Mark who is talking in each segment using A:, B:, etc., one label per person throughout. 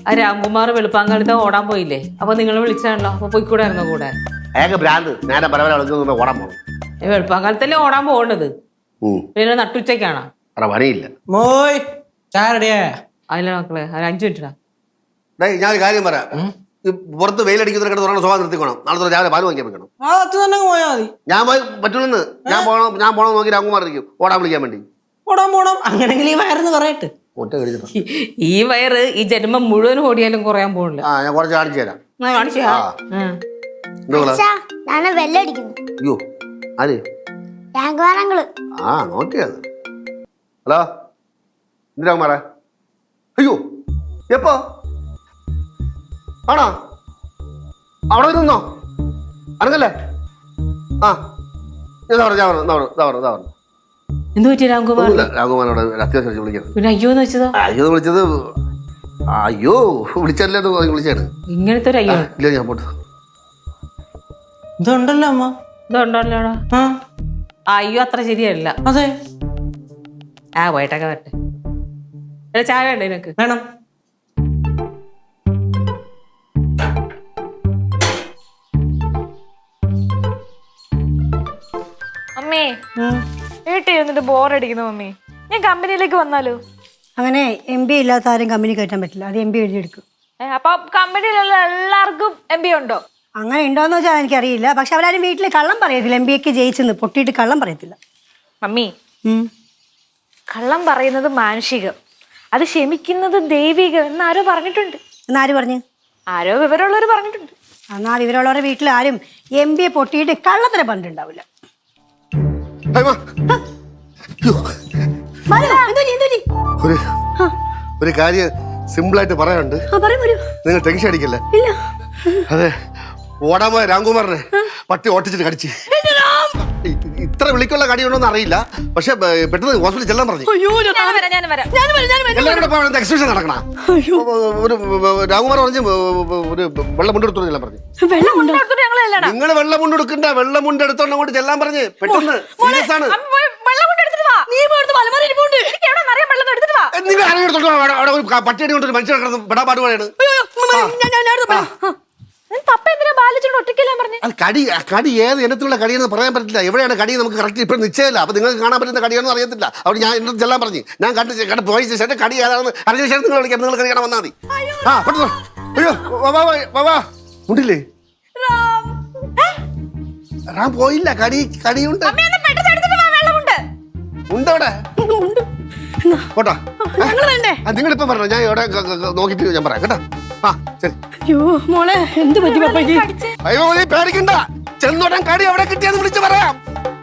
A: ആ രാംകുമാർ വെളുപ്പാങ്കാലത്ത് ഓടാൻ പോയില്ലേ? അപ്പൊ നിങ്ങൾ വിളിച്ചാണല്ലോ, അപ്പൊ പോയിക്കൂടായിരുന്നോ കൂടെ?
B: അയാൾക്ക് ഭ്രാന്ത്. നേരെ പരവരെ ഓടാൻ പോകണം.
A: വെളുപ്പാങ്കാലത്തല്ലേ ഓടാൻ പോകേണ്ടത്, പിന്നെ നട്ടുച്ചയ്ക്കാണോ?
B: പണിയില്ല.
C: മോയ് ചാരടിയാ
A: അതിലെ മക്കളെ, 5 മിനിറ്റാ.
B: ഞാൻ ഒരു കാര്യം പറയാം. പുറത്ത് വെയിലടിക്കുന്നവരെ സ്വഭാവം നിർത്തിക്കണം. നാളെ രാവിലെ പാല് വാങ്ങിക്കാൻ വെക്കണം.
C: തന്നെ പോയാ മതി.
B: ഞാൻ പോയി പറ്റൂലെന്ന്. ഞാൻ പോണം നോക്കി രാംകുമാർ ഇരിക്കും ഓടാൻ വിളിക്കാൻ വേണ്ടി.
C: പോണം അങ്ങനെങ്കിൽ ഈ വയറെന്ന് പറയട്ടെ.
B: ഒറ്റ കഴിച്ചിട്ട്
A: ഈ വയറ് ഈ ജന്മം മുഴുവൻ ഓടിയാലും കുറയാൻ പോണില്ല.
B: ഞാൻ കുറച്ച് കാണിച്ചു തരാം. അയ്യോ ആര്? നോക്കിയത്. ഹലോ രാംകുമാറേ. അയ്യോ എപ്പോ ആണോ? അവിടെ നിന്നോ? അനങ്ങല്ലേ?
A: എന്ത് പറ്റി രാംകുമാർ?
B: രാംകുമാരോട് അത്യാവശ്യം വിളിക്കുന്നത്.
A: പിന്നെ അയ്യോന്ന് വെച്ചതോ?
B: അയ്യോ വിളിച്ചത് അയ്യോ വിളിച്ചല്ലേ വിളിച്ചാണ്.
A: ഇങ്ങനത്തെ ഒരു അയ്യോ
B: ഇല്ല. ഞാൻ പോട്ട്
C: ഇതുണ്ടല്ലോ അമ്മ.
A: ഇതുണ്ടല്ലോടാ. അയ്യോ അത്ര ശരിയല്ല.
C: അതെ.
A: പോയിട്ടൊക്കെ വരട്ടെ. ചായ വേണ്ട നിനക്ക്?
C: വേണം.
D: മമ്മി വീട്ടിൽ ഇരുന്നിട്ട് ബോറടിക്കുന്നു മമ്മി. ഞാൻ കമ്പനിയിലേക്ക് വന്നാലോ?
E: അങ്ങനെ MBA ഇല്ലാത്ത ആരും കമ്പനി കയറ്റാൻ പറ്റില്ല. അത് MBA എഴുതിയെടുക്കും.
D: അപ്പൊ കമ്പനിയിലുള്ള എല്ലാവർക്കും MBA ഉണ്ടോ?
E: അങ്ങനെ ഉണ്ടോന്ന് വെച്ചാൽ എനിക്കറിയില്ല. പക്ഷെ അവരാരും വീട്ടിൽ കള്ളം പറയത്തില്ല. MBAക്ക് ജയിച്ചെന്ന് പൊട്ടിയിട്ട് കള്ളം പറയത്തില്ല.
D: മമ്മി, കള്ളം പറയുന്നത് മാനുഷികം, അത് ക്ഷമിക്കുന്നത് ദൈവികം എന്നാരോ പറഞ്ഞിട്ടുണ്ട്.
E: എന്നാര് പറഞ്ഞു?
D: ആരോ വിവരമുള്ളവർ പറഞ്ഞിട്ടുണ്ട്.
E: എന്നാൽ വിവരമുള്ളവരുടെ വീട്ടിൽ ആരും MBA പൊട്ടിയിട്ട് കള്ളത്തിന് പണ്ടുണ്ടാവില്ല.
B: ഒരു കാര്യം സിമ്പിളായിട്ട് പറയാനുണ്ട്. നിങ്ങൾ ടെൻഷൻ അടിക്കല്ലേ? അതെ, ഓടാൻ പോയ രാംകുമാറിനെ പട്ടി ഓട്ടിച്ചിട്ട് കടിച്ച്. ഇത്ര വിളിക്കുള്ള കടിയുണ്ടോന്ന് അറിയില്ല, പക്ഷെ പെട്ടെന്ന് ഹോസ്പിറ്റലിൽ ചെല്ലാൻ പറഞ്ഞു. എല്ലാവരും എക്സിബിഷൻ നടക്കണ. ഒരു രാംകുമാർ പറഞ്ഞു ഒരു വെള്ളം മുണ്ടെടുത്തോണ്ട് ചെല്ലാൻ പറഞ്ഞു. നിങ്ങൾ വെള്ളം മുണ്ടെടുക്കണ്ട, വെള്ളം മുണ്ടെടുത്തോണ്ട് അങ്ങോട്ട് ചെല്ലാൻ പറഞ്ഞ്. പെട്ടെന്ന് സീരിയസ് ആണ്. നിങ്ങൾ അവിടെ ഒരു പട്ടിയടി കൊണ്ട് ഒരു മനുഷ്യൻ കിടന്ന് പെടാപാട് പോലെയാണ്. കടി ഏത് ഇനത്തിലുള്ള കടിയെന്ന് പറയാൻ പറ്റില്ല. എവിടെയാണ് കടി നമുക്ക് കറക്റ്റ് ഇപ്പം നിശ്ചയമില്ല. അപ്പൊ നിങ്ങൾക്ക് കാണാൻ പറ്റുന്ന കടിയാണെന്ന് അറിയത്തില്ല. അവിടെ ഞാൻ എന്നെ ചെല്ലാൻ പറഞ്ഞു. ഞാൻ കണ്ട് പോയ ശേഷം കടി ഏതാണെന്ന് അറിഞ്ഞ ശേഷം നിങ്ങൾ വിളിക്കാം. നിങ്ങൾ കടി കാണാൻ വന്നാൽ മതി. പെട്ടെന്ന്. അയ്യോ ഉണ്ടില്ലേ? റാം പോയില്ല. കടിയുണ്ട്. ഉണ്ടവിടെ പോട്ടാ. നിങ്ങളിപ്പം പറഞ്ഞോ, ഞാൻ ഇവിടെ നോക്കിട്ട് ഞാൻ പറയാം കേട്ടോ. ശരി.
E: അയ്യോ മോളെ, എന്ത് പറ്റി പപ്പയ്ക്ക്?
B: അയ്യോ നീ പേടിക്കണ്ട. ചെന്നോട്ടൻ കടി എവിടെ കിട്ടിയെന്ന് വിളിച്ച് പറയാം.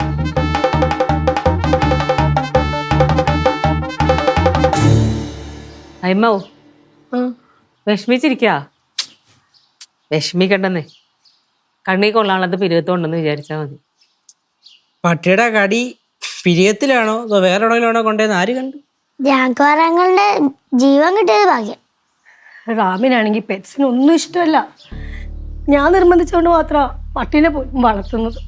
A: അയ്മോ വിഷമിച്ചിരിക്കാ? വിഷമിക്കണ്ടെന്നേ. കണ്ണീ കൊള്ളാനുള്ളത് പിരുവത്തോണ്ടെന്ന് വിചാരിച്ചാ മതി.
C: പട്ടിയുടെ കടി പിരിയത്തിലാണോ അതോ വേറെ എവിടെയെങ്കിലാണോ കൊണ്ടുവന്ന് ആര് കണ്ടു?
F: രാഘവങ്ങളുടെ ജീവൻ കിട്ടിയത് ഭാഗ്യം.
E: റാമിനാണെങ്കിൽ പെറ്റ്സിന് ഒന്നും ഇഷ്ടമല്ല. ഞാൻ നിർബന്ധിച്ചുകൊണ്ട് മാത്രം പട്ടീനെ പോലും വളർത്തുന്നത്.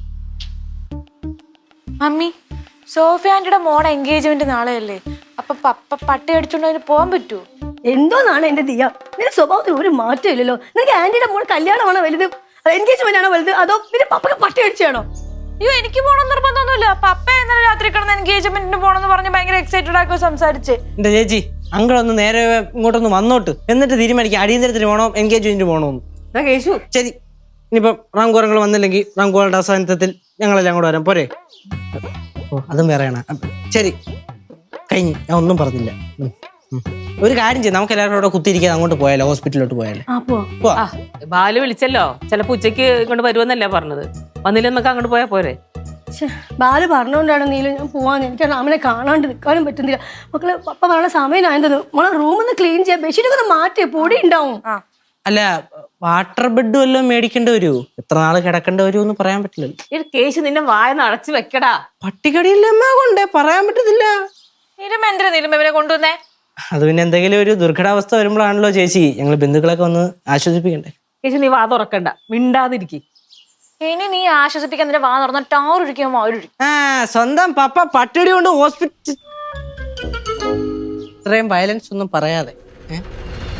D: മമ്മി, സോഫിയ ആന്റിയുടെ മോടെ എൻഗേജ്മെന്റ് നാളെയല്ലേ? അപ്പൊ പപ്പ പട്ടി അടിച്ചോണ്ട് അതിന് പോകാൻ പറ്റുമോ?
E: എന്തോന്നാണ് എന്റെ ദിയ, നിന്റെ സ്വഭാവത്തിൽ ഒരു മാറ്റം ഇല്ലല്ലോ. നിനക്ക് ആന്റിയുടെ മോൾ കല്യാണമാണോ വലുത്, എൻഗേജ്മെന്റ് ആണോ വലുത്, അതോ പിന്നെ പപ്പക്ക് പട്ടി അടിച്ചാണോ?
D: അയ്യോ, എനിക്ക് പോകണം നിർബന്ധമൊന്നുമില്ല. പപ്പ ഇന്നലെ രാത്രി കിടന്ന് എൻഗേജ്മെന്റിന് പോണെന്ന് പറഞ്ഞ് ഭയങ്കര എക്സൈറ്റഡ് ആക്കി സംസാരിച്ച്.
C: എന്റെ ചേച്ചി, അങ്കിളൊന്ന് നേരെ ഇങ്ങോട്ടൊന്ന് വന്നോട്ട്, എന്നിട്ട് തീരുമാനിക്കാം അടിയന്തരത്തിന് പോകണോ എൻഗേജ്മെന്റിന് പോകണോന്ന്.
A: കേശു
C: ശരി, ഇനിയിപ്പം റാംകുമാറങ്ങൾ വന്നില്ലെങ്കിൽ റാംകുമാറുടെ അവസാനത്തിൽ ഞങ്ങളെല്ലാം കൂടെ വരാം പോരെ? അതും വേറെയാണ്. ശരി, കഴിഞ്ഞു. ഞാൻ ഒന്നും പറഞ്ഞില്ല. ഒരു കാര്യം ചെയ്യും, നമുക്ക് എല്ലാവരും കൂടെ കുത്തിയിരിക്കാതെ അങ്ങോട്ട് പോയാലോ, ഹോസ്പിറ്റലിലോട്ട് പോയാലോ?
A: ബാലു വിളിച്ചല്ലോ, ചിലപ്പോ ഉച്ചക്ക് ഇങ്ങോട്ട് വരുമെന്നല്ലേ പറഞ്ഞത്. വന്നില്ല, നമുക്ക് അങ്ങോട്ട് പോയാ പോരെ?
E: ബാല് പറഞ്ഞോണ്ടാണ് നീലും ഞാൻ പോവാന്ന്. എനിക്ക് റാമിനെ കാണാണ്ട് നിൽക്കാനും പറ്റുന്നില്ല. മക്കളെ, പപ്പ പറഞ്ഞ സമയമായത് മോളെ റൂമൊന്ന് ക്ലീൻ ചെയ്യാൻ, ബെഡ്ഷീറ്റൊക്കെ ഒന്ന് മാറ്റി, പൊടി ഉണ്ടാവും.
C: അല്ല, വാട്ടർ ബെഡ് വല്ലതും മേടിക്കേണ്ടി വരുമോ? എത്ര നാള് കിടക്കേണ്ടി വരുമെന്ന് പറയാൻ പറ്റില്ലല്ലോ.
A: ഈ കേശു നിന്നെ വായന്ന് അടച്ചു വെക്കടാ.
C: പട്ടികടിയില്ലമ്മ കൊണ്ടേ പറയാൻ പറ്റത്തില്ല.
D: ഇവരെ കൊണ്ടുവന്നേ.
C: അത് പിന്നെ എന്തെങ്കിലും ഒരു ദുർഘടാവസ്ഥ വരുമ്പോഴാണല്ലോ ചേച്ചി ഞങ്ങൾ ബന്ധുക്കളൊക്കെ ഒന്ന് ആശ്വസിപ്പിക്കണ്ടേ.
A: കേശു നീ വാ തുറക്കണ്ട, മിണ്ടാതിരിക്കി.
D: ഇനി നീ ആശ്വസിപ്പിക്കാൻ നിന്റെ വാ തുറന്ന ടാറൊഴിക്കുമ്പോ അവരൊഴിക്കും.
C: സ്വന്തം പപ്പ പട്ടിടി കൊണ്ട് ഹോസ്പിറ്റൽ. ഇത്രയും വയലൻസ് ഒന്നും പറയാതെ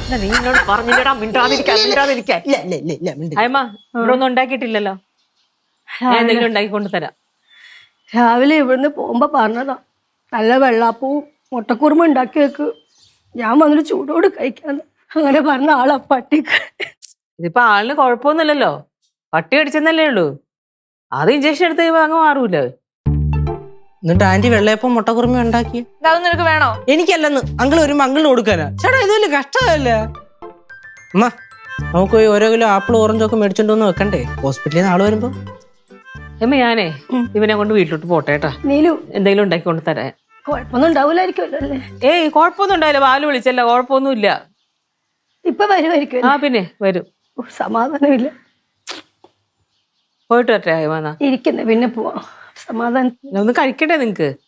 A: നീ എന്നോട് പറഞ്ഞില്ലടാ മിണ്ടാതിരിക്കാൻ മിണ്ടാതിരിക്കാൻ.
C: ഇല്ല ഇല്ല ഇല്ല ഇല്ല മിണ്ടി.
A: അയമ്മ ഇവിടെ ഒന്നും ഉണ്ടാക്കിയിട്ടില്ലല്ലോ. ഞാൻ എന്തെങ്കിലും ഉണ്ടാക്കി കൊണ്ടുതരാം.
E: രാവിലെ ഇവിടുന്ന് പോകുമ്പോ പറഞ്ഞതാ നല്ല വെള്ളാപ്പവും മുട്ടക്കുറുമ ഉണ്ടാക്കി വെക്ക്, ഞാൻ വന്നിട്ട് ചൂടോട് കഴിക്കാന്ന്. അങ്ങനെ പറഞ്ഞ ആളാ പട്ടിക്ക്.
A: ഇതിപ്പോ ആളിന് കുഴപ്പമൊന്നുമില്ലല്ലോ, പട്ടി കടിച്ചെന്നല്ലേ ഉള്ളൂ. അത് ഇഞ്ചക്ഷൻ എടുത്ത് കഴിയുമ്പോ അങ്ങ് മാറൂലേ.
C: എന്നിട്ട് ആന്റി വെള്ളയപ്പം മുട്ടക്കുറുമ ഉണ്ടാക്കി.
D: അതൊന്നും നിനക്ക് വേണോ?
C: എനിക്കല്ലെന്ന് അങ്കിൾ വരുമ്പോ അങ്കിളിന് കൊടുക്കാനാ. ചേട്ടാ ഇത് വലിയ കഷ്ടമല്ല. അമ്മ നമുക്ക് പോയി ഓരോ കിലോ ആപ്പിൾ ഓറഞ്ചൊക്കെ മേടിച്ചോണ്ട് വന്ന് വെക്കണ്ടേ ഹോസ്പിറ്റലിൽ നിന്ന് ആള് വരുമ്പോ.
A: അമ്മ ഞാനേ ഇവനെ കൊണ്ട് വീട്ടിലോട്ട് പോട്ടെ കേട്ടാ.
E: നീലു
A: എന്തെങ്കിലും ഉണ്ടാക്കി കൊണ്ട് തരാൻ.
E: കുഴപ്പമൊന്നും ഉണ്ടാവൂലായിരിക്കുമല്ലോ അല്ലേ?
A: ഏയ് കുഴപ്പമൊന്നും ഉണ്ടായില്ല, ബാലു വിളിച്ചല്ല, കുഴപ്പമൊന്നുമില്ല.
E: ഇപ്പൊ വരുമായിരിക്കും.
A: ആ പിന്നെ വരും.
E: സമാധാനമില്ല.
A: പോയിട്ട് വരട്ടെ അയമാന്നാ.
E: ഇരിക്കുന്നേ പിന്നെ പോവാം. സമാധാനം.
A: ഒന്ന് കഴിക്കട്ടെ നിങ്ങക്ക്.